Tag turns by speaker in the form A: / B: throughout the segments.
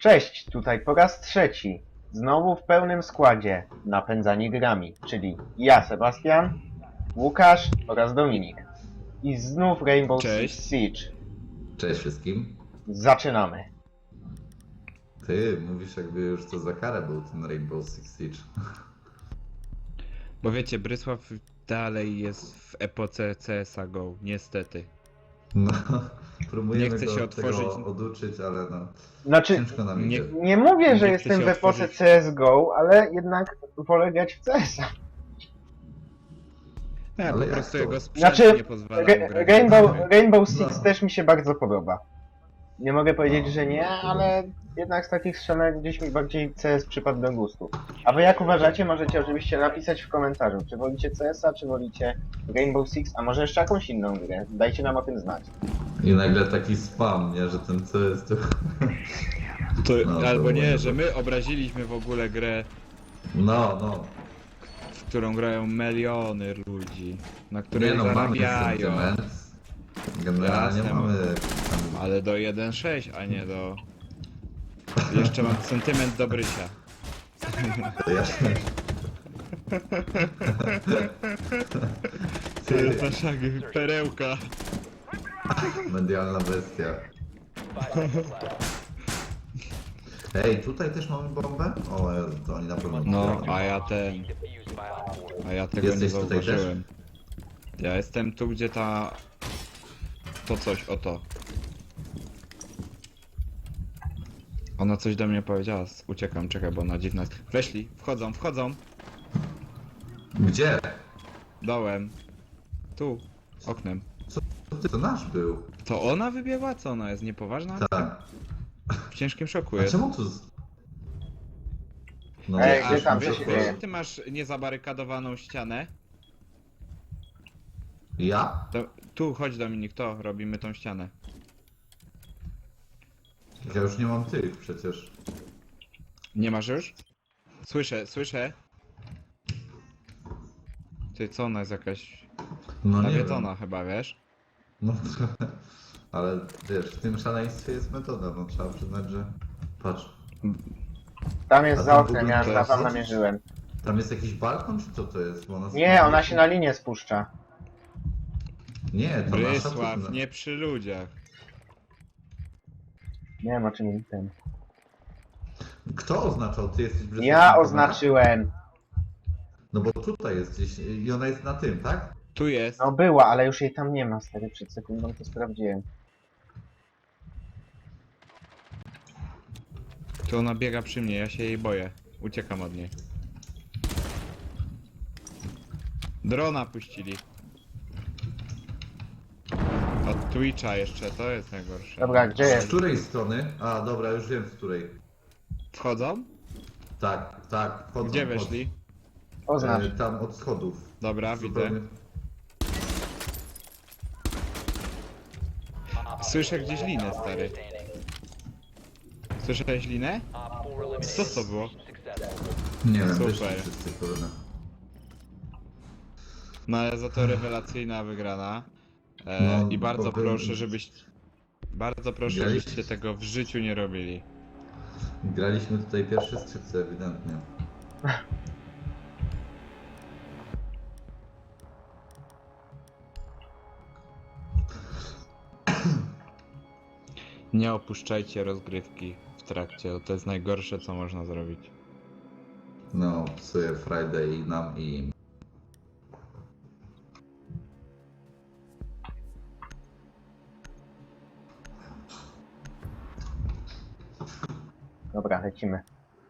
A: Cześć, tutaj po raz trzeci. Znowu w pełnym składzie napędzani grami, czyli ja, Sebastian, Łukasz oraz Dominik. I znów Rainbow
B: Cześć.
A: Six Siege.
C: Cześć wszystkim.
A: Zaczynamy.
C: Ty mówisz, jakby już to za karę był ten Rainbow Six Siege.
B: Bo wiecie, Brysław dalej jest w epoce CS:GO, GO, niestety.
C: No, próbujemy
B: Nie chce
C: go
B: się
C: od tego
B: otworzyć.
C: oduczyć, ale no,
A: Znaczy,
C: ciężko nam
B: nie-
C: idzie.
A: nie mówię, że
B: Nie
A: jestem
B: chcę
A: w
B: się
A: epoce
B: otworzyć.
A: CSGO, ale jednak wolę grać w CS-a.
B: Ja
C: Ale
B: po
C: jak
B: prostu
C: to?
B: jego sprzęt
A: Znaczy,
B: nie pozwala mu grać.
A: Rainbow Six
C: No.
A: też mi się bardzo podoba. Nie mogę powiedzieć, że nie, ale jednak z takich strzelanek gdzieś mi bardziej CS przypadł do gustu. A wy jak uważacie, możecie oczywiście napisać w komentarzu, czy wolicie CS-a, czy wolicie Rainbow Six, a może jeszcze jakąś inną grę. Dajcie nam o tym znać.
C: I nagle taki spam, nie, że ten co jest to...
B: To,
C: No, to
B: albo nie,
C: moje
B: że
C: to-
B: my obraziliśmy w ogóle grę,
C: No,
B: w którą grają miliony ludzi, na której
C: nie no, mamy
B: zarabiają.
C: sentyment. Generalnie
B: Jasne,
C: mamy tam...
B: Ale do 1.6, a nie do... Jeszcze mam sentyment do Brysia.
C: Jasne.
B: To jest nasza perełka.
C: Medialna bestia. Ej, tutaj też mamy bombę? O Jezu, to oni na pewno...
B: No,
C: trafią.
B: a ja tego
C: Jesteś
B: nie
C: tutaj też?
B: zauważyłem. Ja jestem tu, gdzie ta... To coś, oto. Ona coś do mnie powiedziała, uciekam, czekaj, bo ona dziwna jest. Weszli, wchodzą,
C: Gdzie?
B: dołem. Tu, oknem.
C: To nasz był.
B: To ona wybiegła? Co ona jest, niepoważna?
C: Tak.
B: W ciężkim szoku
C: A
B: jest.
C: czemu tu... No,
A: Ej,
B: A
A: gdzie tam
B: wiesz,
A: się
B: wiesz,
A: dzieje?
B: że ty masz niezabarykadowaną ścianę?
C: Ja?
B: To, tu, chodź Dominik, to robimy tą ścianę.
C: Ja już nie mam tych przecież.
B: Nie masz już? Słyszę. Ty, co ona jest jakaś
C: No nie
B: nawiedzona
C: wiem.
B: chyba, wiesz?
C: No ale wiesz, w tym szaleństwie jest metoda, no trzeba przyznać, że... Patrz,
A: Tam jest
C: A
A: za
C: tam w
A: oknem,
C: ogóle
A: ja
C: teraz
A: tam
C: jest?
A: namierzyłem.
C: tam jest jakiś balkon, czy co to jest? Bo
A: Nie, ona się na linię spuszcza.
C: Nie, to nasza...
B: Brysław, nie przy ludziach.
A: Nie wiem o czym ten.
C: Kto oznaczał? Ty jesteś Brysław?
A: Ja oznaczyłem.
C: No bo tutaj jest gdzieś i ona jest na tym, tak?
B: Tu jest.
A: No była, ale już jej tam nie ma, stary, przed sekundą to sprawdziłem.
B: Tu ona biega przy mnie, ja się jej boję. Uciekam od niej. Drona puścili. Od Twitcha jeszcze, to jest najgorsze.
A: Dobra, gdzie
C: Z
A: jest?
C: której strony? A, dobra, już wiem z której.
B: Wchodzą?
C: Tak, wchodzą.
B: Gdzie weszli?
A: Oznacz.
C: Tam od schodów.
B: Dobra, widzę.
C: Zupełnie...
B: Słyszę gdzieś linę, stary. Słyszałeś linę? Co to było?
C: Nie wiem,
B: Super.
C: wyszli wszyscy, kurde.
B: No ale za to rewelacyjna wygrana.
C: No,
B: I bardzo
C: bo wy-
B: proszę, żebyście
C: Graliście?
B: tego w życiu nie robili.
C: Graliśmy tutaj pierwsze skrzypce, ewidentnie.
B: Nie opuszczajcie rozgrywki w trakcie, to jest najgorsze co można zrobić.
C: No, psuje Friday i nam i im.
A: Dobra, lecimy.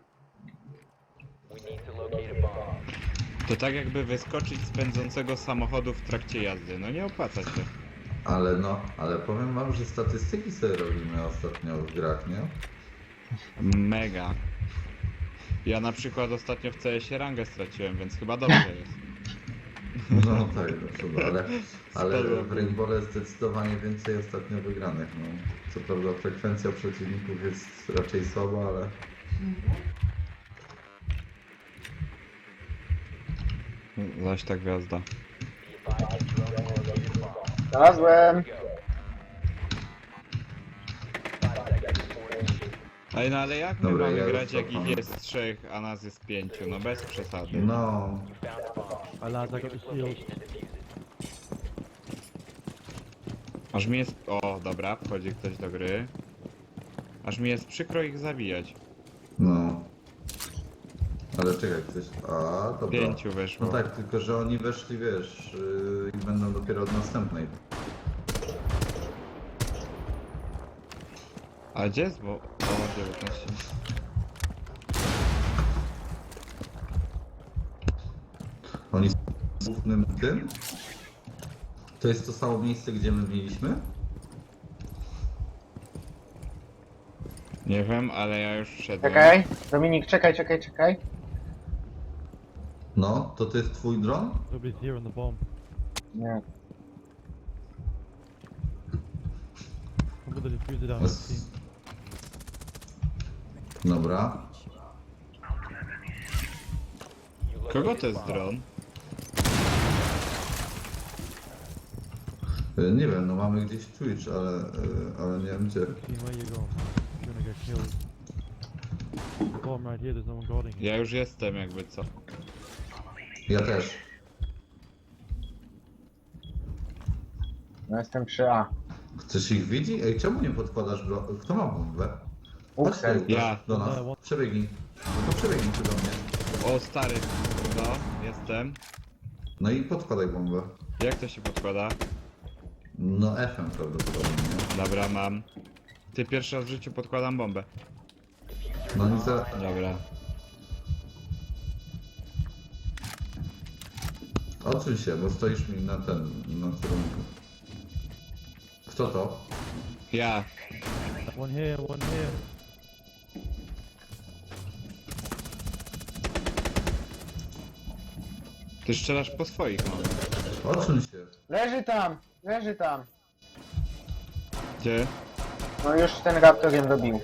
B: To tak jakby wyskoczyć z pędzącego samochodu w trakcie jazdy, no nie opłaca się.
C: Ale powiem wam, że statystyki sobie robimy ostatnio w grach, nie?
B: Mega. Ja na przykład ostatnio w CS-ie rangę straciłem, więc chyba dobrze jest.
C: No tak, no trzeba, ale
B: Spadło.
C: w Rainbowle zdecydowanie więcej ostatnio wygranych, no. Co prawda frekwencja przeciwników jest raczej słaba, ale...
B: Zaś ta gwiazda.
A: Znalazłem!
B: Ej, no ale jak my
C: Dobra,
B: mamy
C: ja już
B: grać, jak
C: cofam.
B: ich jest 3, a nas jest 5? No bez przesady.
C: No,
D: Alright, lads, I got the shield.
B: Aż mi jest... O, dobra, wchodzi ktoś do gry. Aż mi jest przykro ich zabijać.
C: no. Ale czekaj, ktoś... A, dobra.
B: 5
C: No
B: weszło.
C: tak, tylko że oni weszli, wiesz, i będą dopiero od następnej.
B: A gdzie jest, bo... O, 19.
C: Oni są w głównym tym? To jest to samo miejsce, gdzie my mieliśmy?
B: Nie wiem, ale ja już wszedłem.
A: Czekaj, Dominik, czekaj.
C: No, to jest twój dron?
D: Nobody's here on the bomb.
A: Nie.
D: I'm gonna defuse it out of the team.
C: Dobra.
B: Kogo to jest dron?
C: Nie wiem, no mamy gdzieś Twitch, ale nie wiem gdzie.
D: Team, where you going? You're gonna get killed. The bomb right here, there's no one guarding it.
B: Ja już jestem, jakby co.
C: Ja też.
A: No jestem przy A.
C: Chcesz ich widzi? Ej, czemu nie podkładasz Kto ma bombę? Chodź
A: Uksel.
C: tutaj,
B: Ja.
C: do nas. Przebiegnij. No to przebiegnij tu do mnie.
B: O, stary. No, jestem.
C: No i podkładaj bombę.
B: Jak to się podkłada?
C: No F-em prawdopodobnie, nie?
B: Dobra, mam. Ty pierwszy raz w życiu podkładam bombę.
C: No nic za...
B: Dobra.
C: Odsuń się, bo stoisz mi na kierunku. Kto to?
B: Ja.
D: One here, one here.
B: Ty strzelasz po swoich, no.
C: Odsuń się.
A: Leży tam.
B: Gdzie?
A: No już ten raptorem dobił.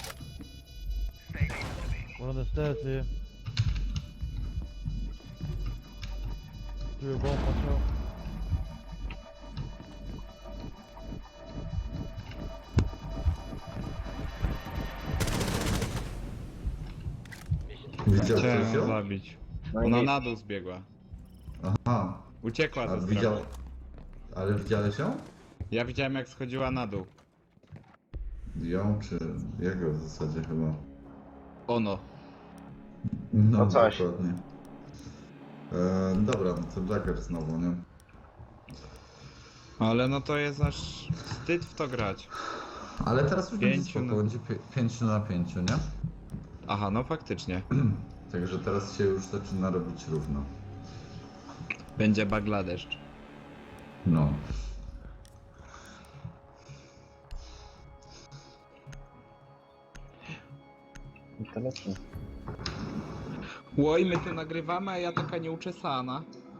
D: One on the stairs here. Through a bomb, watch out.
C: Widział
B: Chciałem
C: ktoś
B: ją
C: ją?
B: zabić.
A: No i
B: Ona
A: nic.
B: na dół zbiegła.
C: Aha.
B: Uciekła
C: A
B: ze
C: widział...
B: strachu.
C: Ale widziałeś ją?
B: Ja widziałem, jak schodziła na dół.
C: Ją czy... Jego w zasadzie chyba.
B: Ono.
C: No
A: To coś.
C: dokładnie. Dobra, no to Jagger znowu, nie?
B: Ale no to jest aż wstyd w to grać.
C: Ale teraz już będzie
B: Pięciu
C: spoko,
B: na-
C: będzie 5 na 5, nie?
B: Aha, no faktycznie.
C: Także teraz się już zaczyna robić równo.
B: Będzie Bangladesz.
C: No.
A: I to lecimy.
B: Łoj, my tu nagrywamy, a ja taka nieuczesana.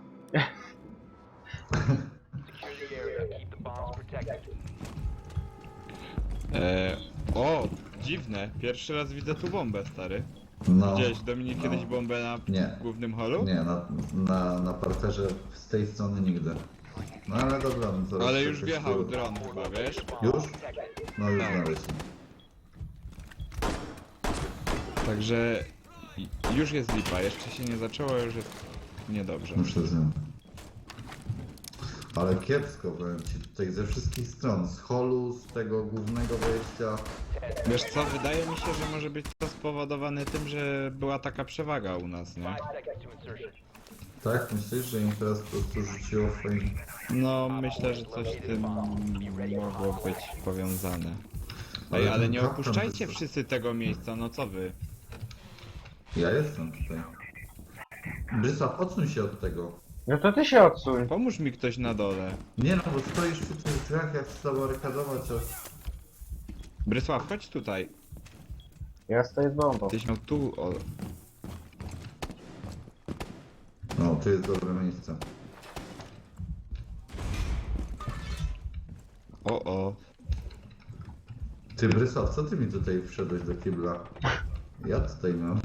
B: O, dziwne. Pierwszy raz widzę tu bombę, stary.
C: No.
B: Widziałeś, Dominik,
C: no.
B: kiedyś bombę na
C: Nie.
B: głównym holu?
C: Nie, na parterze z tej strony nigdy. No ale dobra, no to
B: Ale
C: jeszcze
B: już
C: coś
B: wjechał
C: tu-
B: dron chyba, wiesz?
C: Już? No już
B: Tak.
C: znaleźliśmy.
B: Także już jest lipa, jeszcze się nie zaczęło, już jest niedobrze.
C: Muszę z Ale kiepsko, powiem ci, tutaj ze wszystkich stron. Z holu, z tego głównego wejścia.
B: Wiesz co, wydaje mi się, że może być to spowodowane tym, że była taka przewaga u nas, nie?
C: Tak? Myślisz, że im teraz po prostu rzuciło fajnie?
B: No, myślę, że coś z tym mogło być powiązane. Ej, ale nie
C: kaptan
B: opuszczajcie
C: to-
B: wszyscy tego miejsca, no co wy?
C: Ja jestem tutaj. Brysław, odsuń się od tego.
A: No to ty się odsuń.
B: Pomóż mi ktoś na dole.
C: Nie no, bo stoisz przy tych drzwiach, jak chcę zabarykadować, a...
B: Brysław, chodź tutaj.
A: Ja stoję z bombą.
B: Tyś miał tu, o...
C: No, tu jest dobre miejsce.
B: O.
C: Ty, Brysław, co ty mi tutaj wszedłeś do kibla? Ja tutaj mam.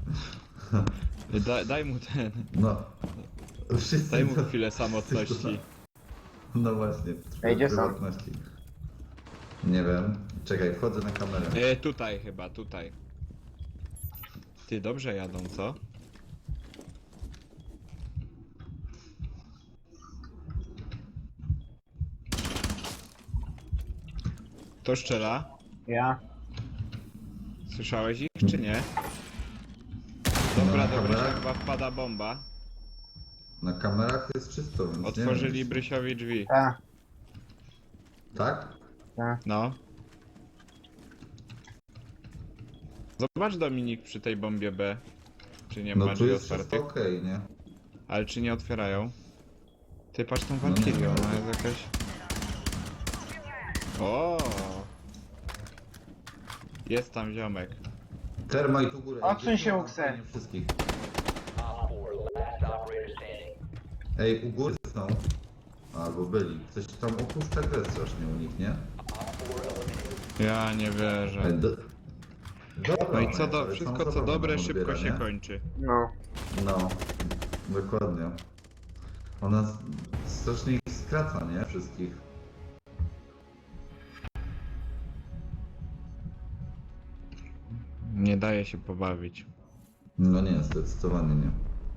B: Daj mu ten...
C: No. Wszyscy...
B: Daj mu chwilę samotności.
C: No właśnie,
A: Ej, gdzie są?
C: prywatności. Nie wiem. Czekaj, wchodzę na kamerę.
B: Tutaj chyba, tutaj. Ty, dobrze jadą, co? Kto strzela?
A: Ja.
B: Słyszałeś ich, czy nie? Dobra,
C: Na
B: dobra,
C: kamerach?
B: chyba wpada bomba.
C: Na kamerach jest czysto, więc
B: Otworzyli
C: nie wiem.
B: Brysiowi drzwi.
A: Ta,
C: Tak?
A: ta.
B: No. Zobacz, Dominik, przy tej bombie B. Czy nie ma
C: No tu
B: drzwi
C: jest wszystko
B: otwartych?
C: okej, nie?
B: Ale czy nie otwierają? Ty patrz tą
C: No
B: Valkyrię,
C: nie.
B: ona jest jakaś... O! Jest tam ziomek.
C: Termite u góry.
A: Odsuń się,
C: Wypluwam
A: Ukse.
C: fajnie wszystkich. Ej, u góry są. Albo byli. Coś tam opuszcza grę strasznie u nich, nie?
B: Ja nie wierzę.
C: Ej, Dobra,
B: No i co
C: ale
B: wszystko
C: są
B: co
C: zabawne
B: dobre
C: do
B: szybko
C: odbiera,
B: się
C: nie?
B: kończy.
A: No.
C: No, dokładnie. Ona strasznie ich skraca, nie? Wszystkich.
B: Nie daje się pobawić.
C: No nie, zdecydowanie nie.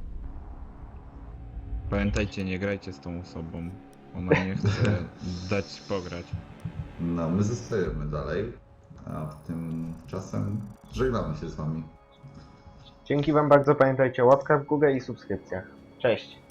B: Pamiętajcie, nie grajcie z tą osobą. Ona nie chce dać pograć.
C: No, my zostajemy dalej, a tymczasem żegnamy się z wami.
A: Dzięki wam bardzo, pamiętajcie o łapkach w górę i subskrypcjach. Cześć.